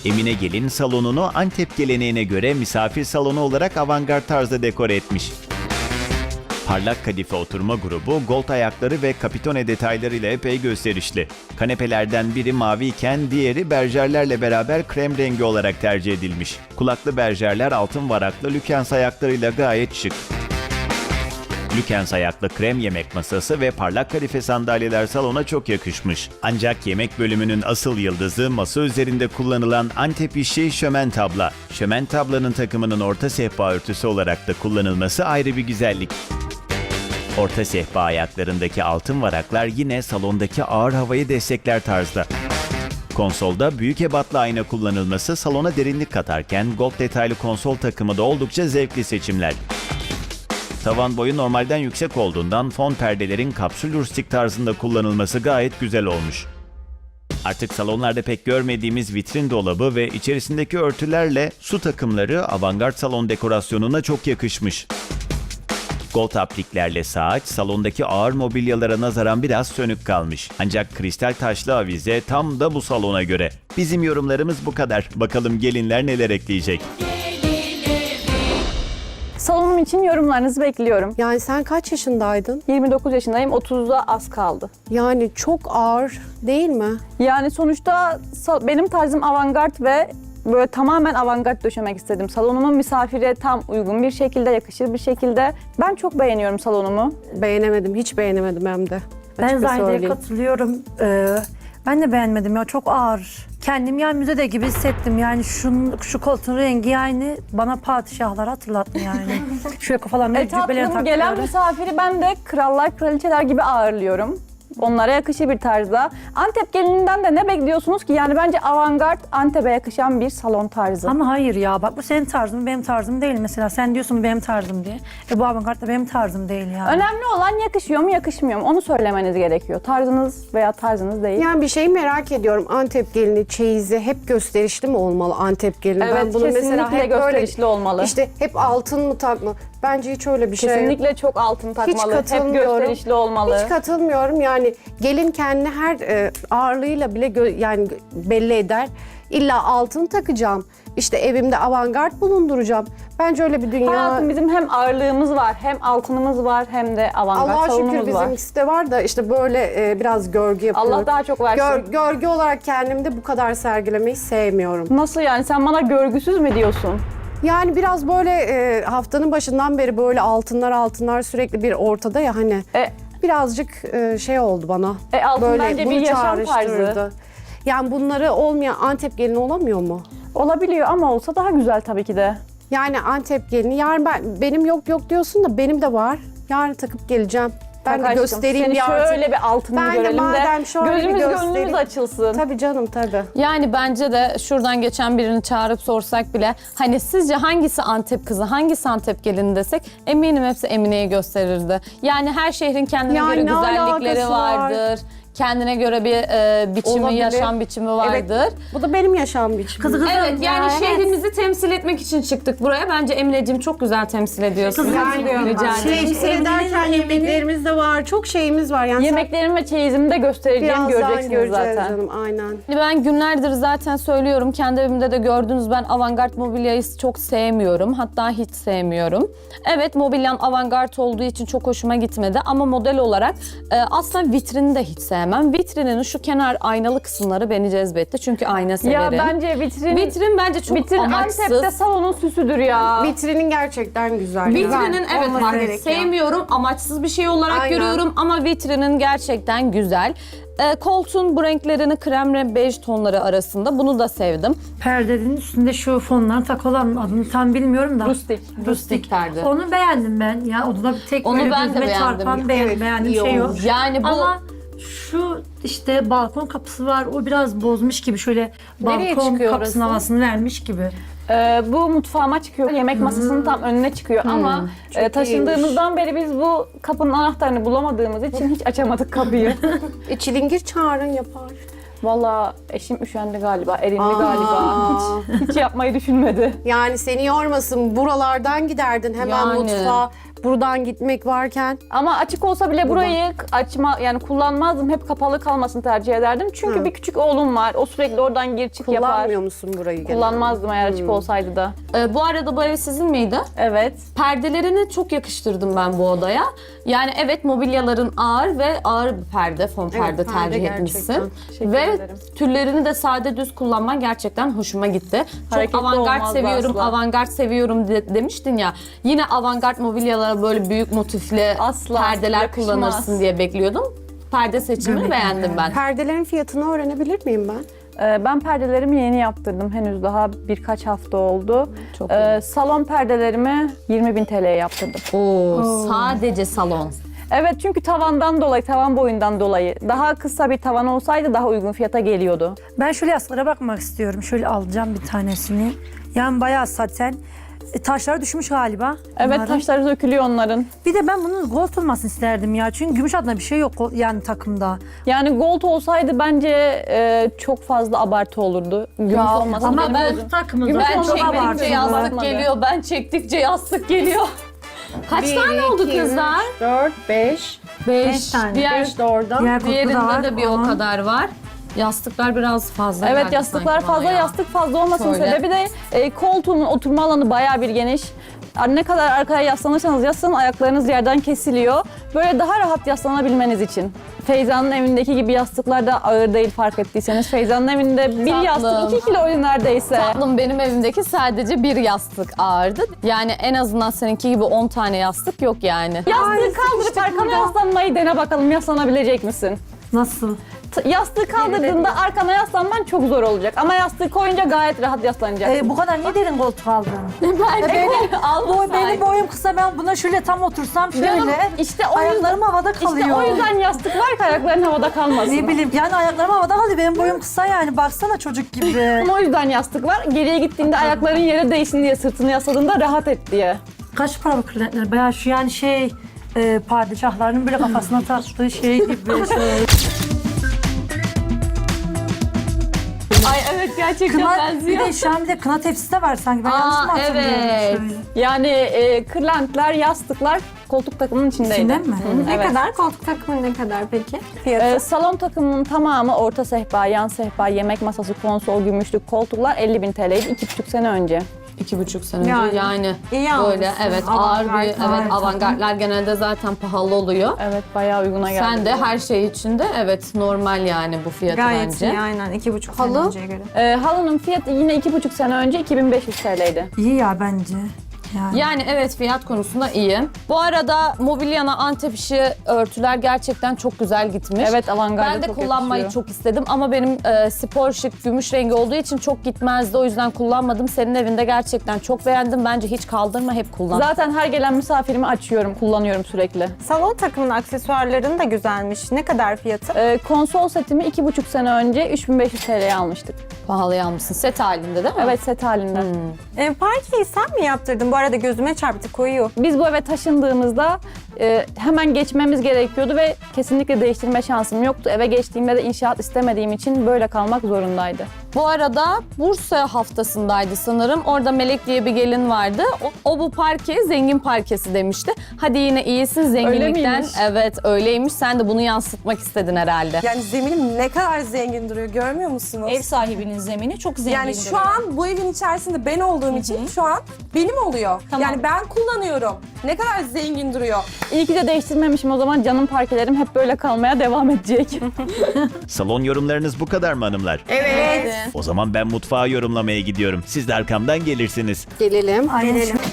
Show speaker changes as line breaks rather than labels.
Emine Gelin salonunu Antep geleneğine göre misafir salonu olarak avantgard tarzda dekore etmiş. Parlak kadife oturma grubu, gold ayakları ve kapitone detaylarıyla epey gösterişli. Kanepelerden biri mavi iken diğeri berjerlerle beraber krem rengi olarak tercih edilmiş. Kulaklı berjerler altın varaklı lükens ayaklarıyla gayet şık. Lükens ayaklı krem yemek masası ve parlak kadife sandalyeler salona çok yakışmış. Ancak yemek bölümünün asıl yıldızı masa üzerinde kullanılan Antep işi şömen tabla. Şömen tablanın takımının orta sehpa örtüsü olarak da kullanılması ayrı bir güzellik. Orta sehpa ayaklarındaki altın varaklar yine salondaki ağır havayı destekler tarzda. Konsolda büyük ebatlı ayna kullanılması salona derinlik katarken gold detaylı konsol takımı da oldukça zevkli seçimler. Tavan boyu normalden yüksek olduğundan fon perdelerin kapsül rustik tarzında kullanılması gayet güzel olmuş. Artık salonlarda pek görmediğimiz vitrin dolabı ve içerisindeki örtülerle su takımları avantgard salon dekorasyonuna çok yakışmış. Gold apliklerle saç, salondaki ağır mobilyalara nazaran biraz sönük kalmış. Ancak kristal taşlı avize tam da bu salona göre. Bizim yorumlarımız bu kadar. Bakalım gelinler neler ekleyecek?
Salonum için yorumlarınızı bekliyorum.
Yani sen kaç yaşındaydın?
29 yaşındayım, 30'da az kaldı.
Yani çok ağır değil mi?
Yani sonuçta benim tarzım avantgard ve böyle tamamen avantgard döşemek istedim. Salonumun misafire tam uygun bir şekilde, yakışır bir şekilde. Ben çok beğeniyorum salonumu.
Beğenemedim, hiç beğenemedim hem de.
Ben
Açıkça
Zahide'ye
söyleyeyim.
katılıyorum. Ben de beğenmedim ya, çok ağır. Kendim yani müzede gibi hissettim yani şu koltuğun rengi yani bana padişahları hatırlattı yani. Şu kafalarına cübbelerini
Tatlım, gelen
taktıkları.
misafiri ben de krallar, kraliçeler gibi ağırlıyorum. Onlara yakışır bir tarzda. Antep gelininden de ne bekliyorsunuz ki? Yani bence avantgard, Antep'e yakışan bir salon tarzı.
Ama hayır ya, bak bu senin tarzın, benim tarzım değil mesela. Sen diyorsun benim tarzım diye. Bu avantgard da benim tarzım değil yani.
Önemli olan yakışıyor mu, yakışmıyor mu? Onu söylemeniz gerekiyor. Tarzınız veya tarzınız değil.
Yani bir şeyi merak ediyorum. Antep gelini çeyizi hep gösterişli mi olmalı Antep gelini?
Evet, kesinlikle gösterişli olmalı.
İşte hep altın mı takma? Bence hiç öyle bir şey.
Kesinlikle çok altın takmalı. Hep
katılmıyorum.
gösterişli olmalı.
Hiç katılmıyorum. Yani gelin kendini her ağırlığıyla bile yani belli eder. İlla altın takacağım. İşte evimde avantgard bulunduracağım. Bence öyle bir dünya.
Hayatım, bizim hem ağırlığımız var, hem altınımız var, hem de avantgard
Allah'a şükür
salonumuz var.
bizimkisi de var da işte böyle biraz gölge yapıyorum.
Allah daha çok versin.
Gölge olarak kendimde bu kadar sergilemeyi sevmiyorum.
Nasıl yani? Sen bana görgüsüz mü diyorsun?
Yani biraz böyle haftanın başından beri böyle altınlar sürekli bir ortada ya hani. Birazcık şey oldu bana.
Altın
böyle
bence
bunu
bir yaşam tarzı.
çağrıştırdı. Yani bunları olmayan Antep gelini olamıyor mu?
Olabiliyor ama olsa daha güzel tabii ki de.
Yani Antep gelini yarın benim yok diyorsun da benim de var. Yarın takıp geleceğim. Ben de
Bak aşkım,
göstereyim
seni
bir artık.
şöyle bir altını
Ben de
görelim
madem şöyle bir
gözümüz
göstereyim.
gönlümüz açılsın.
Tabii canım tabii.
Yani bence de şuradan geçen birini çağırıp sorsak bile hani sizce hangisi Antep kızı, hangisi Antep gelini desek eminim hepsi Emine'yi gösterirdi. Yani her şehrin kendine
Yani
göre
ne
güzellikleri
alakası var?
vardır. Kendine göre bir biçimi,
Olabilir.
yaşam biçimi vardır.
Evet, bu da benim yaşam biçimim.
Kızım
Evet, yani
ya,
şehrimizi temsil etmek için çıktık buraya. Bence Emineciğim çok güzel temsil ediyorsun.
Yani
Rica ederim.
temsil ederken yemeklerimiz de var. Çok şeyimiz var. Yani
Yemeklerimi ve çeyizimi de göstereceğim,
birazdan
göreceksiniz
göreceğiz
zaten.
canım aynen.
Ben günlerdir zaten söylüyorum. Kendi evimde de gördünüz, ben avantgard mobilyayı çok sevmiyorum. Hatta hiç sevmiyorum. Evet, mobilyam avantgard olduğu için çok hoşuma gitmedi. Ama model olarak aslında vitrini de hiç sevmem. Vitrinin şu kenar aynalı kısımları beni cezbetti. Çünkü ayna severim.
Ya bence
Vitrin bence çok amaçsız.
Antep'te salonun süsüdür ya.
Vitrinin gerçekten güzel.
Vitrinin evet
olması
bak,
gerekiyor.
sevmiyorum, amaçsız bir şey olarak
Aynen.
görüyorum ama vitrinin gerçekten güzel. Koltuğun bu renklerini krem ve bej tonları arasında, bunu da sevdim.
perdenin üstünde şu fonlar takılan adını tam bilmiyorum da.
Rustik.
perde.
Onu beğendim ben. Ya o da bir tek
Onu
böyle
ben de
gözüme
beğendim.
çarpan
Evet,
beğendiğim
iyi
şey yok.
olmuş.
Yani bu
Ama şu işte balkon kapısı var, o biraz bozmuş gibi, şöyle
Nereye
balkon
çıkıyor
kapısının
orası?
havasını vermiş gibi.
Bu mutfağıma çıkıyor. Yemek masasının tam önüne çıkıyor ama taşındığımızdan beri biz bu kapının anahtarını bulamadığımız için hiç açamadık kapıyı.
Çilingir çağırın yapar.
Valla eşim üşendi galiba, erindi galiba. Hiç yapmayı düşünmedi.
Yani seni yormasın. Buralardan giderdin hemen
Yani.
mutfağa. buradan gitmek varken.
Ama açık olsa bile burayı açma yani kullanmazdım. Hep kapalı kalmasını tercih ederdim. Çünkü bir küçük oğlum var. O sürekli oradan gir çık yapar.
Kullanmıyor musun burayı genelde?
Kullanmazdım eğer açık olsaydı da.
Bu arada bu ev sizin miydi?
Evet.
Perdelerini çok yakıştırdım ben bu odaya. Yani evet, mobilyaların ağır ve ağır bir perde, fon perde
perde
tercih
gerçekten.
etmişsin.
Teşekkür
Ve
ederim.
tüllerini de sade düz kullanman gerçekten hoşuma gitti.
Hareketli
Çok avantgard
olmazdı
seviyorum,
asla.
avantgard seviyorum demiştin ya. Yine avantgard mobilyalara böyle büyük motifli
Asla,
perdeler
yakışmaz.
kullanırsın diye bekliyordum. Perde seçimini beğendim ben.
Perdelerin fiyatını öğrenebilir miyim ben?
Ben perdelerimi yeni yaptırdım. Henüz daha birkaç hafta oldu.
Çok iyi.
Salon perdelerimi 20.000 TL'ye yaptırdım.
Oo, sadece salon.
Evet, çünkü tavandan dolayı, tavan boyundan dolayı. Daha kısa bir tavan olsaydı daha uygun fiyata geliyordu.
Ben şöyle yastıklara bakmak istiyorum. Şöyle alacağım bir tanesini. Yani bayağı saten. Taşlar düşmüş galiba.
Evet,
bunların.
taşları dökülüyor onların.
Bir de ben bunun gold olmasını isterdim ya. Çünkü gümüş adına bir şey yok yani takımda.
Yani gold olsaydı bence çok fazla abartı olurdu. Gümüş olmasın.
Ama
benim
ben
gözüm-
takımında
Gümüş
Ben
olmasa
çok
benim
çektikçe
gözüm
yastık
bakmadı.
geliyor, ben çektikçe yastık geliyor. Kaç tane oldu kızlar?
4, 5.
5
tane.
Diğer,
5 de orada.
Diğer kutuda
diğerinde
var.
de bir o
Onun-
kadar var. Yastıklar biraz fazla
Evet,
geldi
yastıklar
sanki bana
fazla,
ya.
yastık fazla olmasının
Şöyle.
sebebi de koltuğumun oturma alanı bayağı bir geniş. Ne kadar arkaya yaslanırsanız yaslanın ayaklarınız yerden kesiliyor. Böyle daha rahat yaslanabilmeniz için. Feyza'nın evindeki gibi yastıklar da ağır değil, fark ettiyseniz. Feyza'nın evinde bir
Tatlım.
yastık 2 kiloydu neredeyse.
Tatlım, benim evimdeki sadece bir yastık ağırdı. Yani en azından seninki gibi 10 tane yastık yok yani.
Yastığı kaldırıp arkana yaslanmayı dene bakalım, yaslanabilecek misin?
Nasıl?
Yastığı kaldırdığında arkana yaslanman çok zor olacak. Ama yastığı koyunca gayet rahat yaslanacaksın.
Bu kadar niye derin koltuk aldın?
Almasaydın.
Benim boyum kısa, ben buna şöyle tam otursam şöyle.
Canım, işte o yüzden,
Ayaklarım havada kalıyor.
işte o yüzden yastık var ki ayakların havada kalmasın.
Ne bileyim yani ayaklarım havada kalıyor. Benim boyum kısa yani. Baksana çocuk gibi.
Ama o yüzden yastık var. Geriye gittiğinde ayakların yere değsin diye, sırtını yasladığında rahat et diye.
Kaç para bu kırlentler? Bayağı şu yani padişahların böyle kafasına taktığı şey gibi. Şöyle.
Ay evet, gerçekten
Kına, bir
benziyor.
de şu an bir de kına tepsisi de var sanki. Ben yanlış mı hatırlıyorum?
evet.
Şöyle.
Yani kırlentler, yastıklar koltuk takımının içindeydi.
İçinde mi?
Ne
kadar? Koltuk takımı ne kadar peki?
Salon takımının tamamı orta sehpa, yan sehpa, yemek masası, konsol, gümüşlük, koltuklar 50.000 TL'ydi 2,5 sene önce.
2,5 sene önce yani
iyi
böyle
almışsın.
evet ağır bir
Avantgard,
evet, avantgardlar genelde zaten pahalı oluyor.
Evet, bayağı uyguna geldi.
Sen de her şey içinde evet normal yani bu fiyatı
Gayet
bence.
iyi aynen 2,5 sene
Halı?
önceye göre.
Halının fiyatı yine 2,5 sene önce 2.500 TL'ydi.
İyi ya bence. Yani.
Yani evet, fiyat konusunda iyi. Bu arada mobilyana Antep işi örtüler gerçekten çok güzel gitmiş.
Evet, avantgarda
Ben de
çok
kullanmayı
yakışıyor.
çok istedim ama benim spor şık gümüş rengi olduğu için çok gitmezdi. O yüzden kullanmadım. Senin evinde gerçekten çok beğendim. Bence hiç kaldırma, hep kullan.
Zaten her gelen misafirimi açıyorum, kullanıyorum sürekli.
Salon takımının aksesuarların da güzelmiş. Ne kadar fiyatı?
Konsol setimi 2,5 sene önce 3.500 TL'ye almıştık.
Pahalıya almışsın. Set halinde değil mi?
Evet, set halinde.
Parkeyi sen mi yaptırdın? Bu arada gözüme çarptı, koyuyor.
Biz bu eve taşındığımızda hemen geçmemiz gerekiyordu ve kesinlikle değiştirme şansım yoktu. Eve geçtiğimde de inşaat istemediğim için böyle kalmak zorundaydı.
Bu arada Bursa haftasındaydı sanırım. Orada Melek diye bir gelin vardı. O bu parke zengin parkesi demişti. Hadi yine iyisin zenginlikten.
miymiş?
Evet öyleymiş. Sen de bunu yansıtmak istedin herhalde.
Yani zeminim ne kadar zengin duruyor görmüyor musunuz?
Ev sahibinin zemini çok zengin.
Yani şu an bu evin içerisinde ben olduğum için şu an benim oluyor.
Tamam.
Yani ben kullanıyorum. Ne kadar zengin duruyor.
İyi ki de değiştirmemişim, o zaman canım parkelerim hep böyle kalmaya devam edecek.
Salon yorumlarınız bu kadar mı hanımlar?
Evet.
O zaman ben mutfağı yorumlamaya gidiyorum. Siz de arkamdan gelirsiniz.
Gelelim.
Aynen.